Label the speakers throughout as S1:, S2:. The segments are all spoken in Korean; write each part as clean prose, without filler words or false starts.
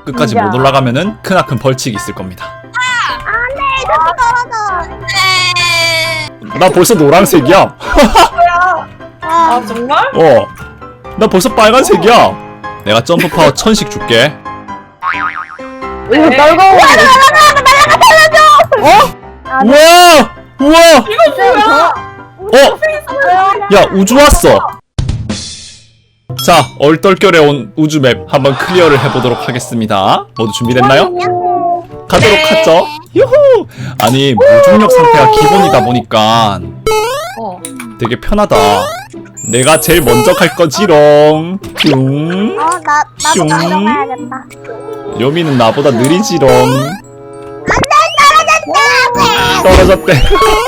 S1: 끝까지 못 올라가면은 크나큰 벌칙이 있을 겁니다.
S2: 안돼 자꾸 떨어져.
S1: 나 벌써 노란색이야.
S3: 아 정말?
S1: 나 벌써 빨간색이야. 내가 점프 파워 1000씩 줄게.
S3: 이거 떨고.
S1: 우와! 우와! 야, 우주 왔어. 자, 얼떨결에 온 우주맵 한번 클리어를 해보도록 하겠습니다. 모두 준비됐나요? 가도록 하죠. 유후! 아니, 무중력 상태가 기본이다 보니까 되게 편하다. 내가 제일 먼저 갈 거지롱. 슝.
S2: 나도 가야겠다.
S1: 요미는 나보다 느리지롱.
S2: 떨어졌다.
S1: 떨어졌대.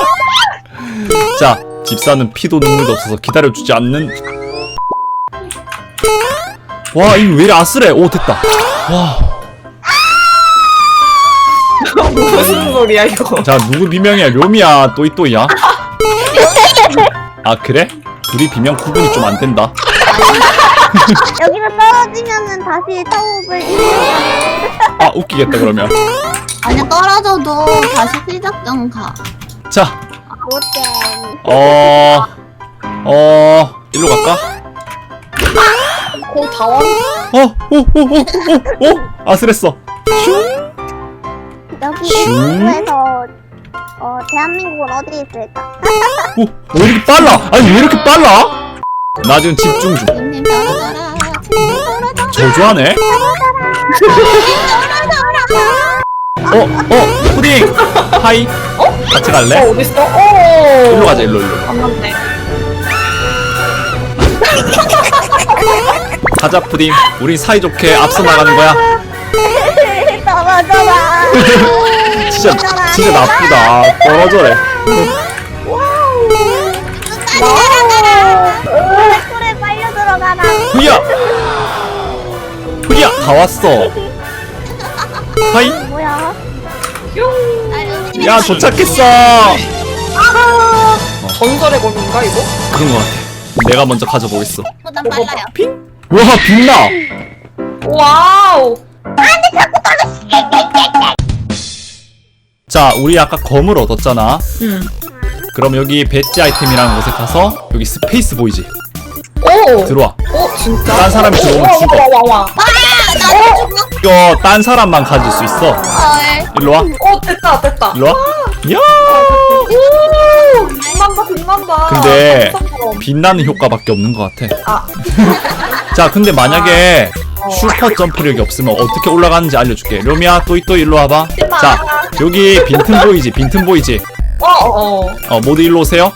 S1: 자, 집사는 피도 눈물도 없어서 기다려주지 않는. 와, 이거 왜 이리 아슬해. 오, 됐다. 와.
S3: 무슨 소리야 이거?
S1: 자, 누구 비명이야? 료미야, 또이또이야? 아, 그래? 둘이 비명 구분이 좀 안 된다.
S2: 여기서 떨어지면은 다시 타업을
S1: 아, 웃기겠다 그러면.
S4: 아니 떨어져도 다시 시작점 가.
S1: 자,
S2: 못해.
S1: 일로 갈까?
S3: 다 왔.
S1: 아슬했어.
S2: 여기
S1: 슝.
S2: 한국에서 대한민국은 어디 있을까?
S1: 왜 이렇게 빨라? 아니, 왜 이렇게 빨라? 나 지금 집중 중.
S4: 님 떨어져라. 떨어져라.
S1: 저주하네? 푸딩! 하이! 같이 갈래?
S3: 어딨어?
S1: 일로 가자, 일로.
S3: 안 맞네.
S1: 가자, 푸딩. 우린 사이좋게 앞서 나가는 거야.
S2: 떨어져라.
S1: 진짜 나쁘다. 떨어져래.
S2: 꿀에 빨려 들어가라.
S1: 후야! 다 왔어. 하이!
S2: 뭐야?
S1: 야, 도착했어!
S3: 전설의 검인가 이거?
S1: 그런 거 같아. 내가 먼저 가져보겠어.
S4: 보다 빨라요.
S1: 와, 빛나!
S3: 와우.
S1: 자, 우리 아까 검을 얻었잖아.
S3: 응.
S1: 그럼 여기 배지 아이템이라는 곳에 가서 여기 스페이스 보이지?
S3: 오.
S1: 들어와.
S3: 진짜?
S1: 딴 사람이 들어오면 죽어.
S3: 와.
S1: 이거 딴 사람만 가질 수 있어. 일로 와.
S3: 됐다.
S1: 일로 와. 야!
S3: 오. 빛난다.
S1: 근데 빛나는 효과밖에 없는 것 같아.
S3: 아.
S1: 자, 근데 만약에 슈퍼 점프력이 없으면 어떻게 올라가는지 알려줄게. 료미야, 또이또이 일로 와봐. 자, 여기 빈틈 보이지? 모두 일로 오세요.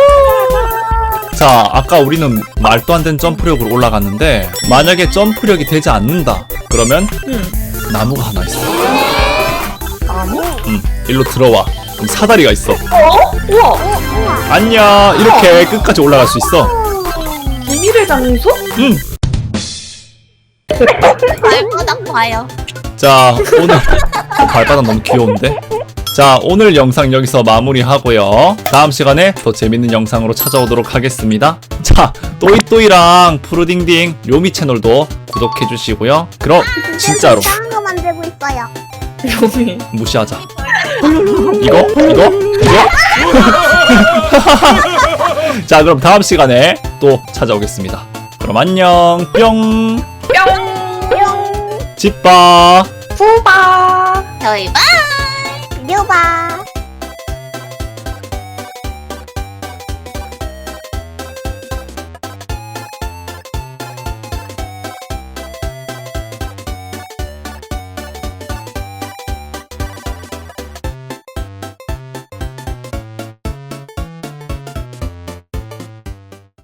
S1: 자, 아까 우리는 말도 안 되는 점프력으로 올라갔는데 만약에 점프력이 되지 않는다 그러면 나무가 하나 있어.
S3: 나무?
S1: 일로 들어와. 그럼 사다리가 있어.
S3: 우와.
S1: 안녕. 이렇게 끝까지 올라갈 수 있어.
S3: 비밀의 장소?
S4: 발바닥 봐요.
S1: 자, 오늘 발바닥 너무 귀여운데? 자, 오늘 영상 여기서 마무리하고요. 다음 시간에 더 재밌는 영상으로 찾아오도록 하겠습니다. 자, 또이또이랑 푸르딩딩 료미 채널도 구독해주시고요. 그럼 진짜로
S2: 이상한 거 만들고 있어요.
S3: 요미.
S1: 무시하자. 이거? 자, 그럼 다음 시간에 또 찾아오겠습니다. 그럼 안녕. 뿅.
S3: 뿅.
S1: 집봐.
S3: 후바.
S4: 저희 봐.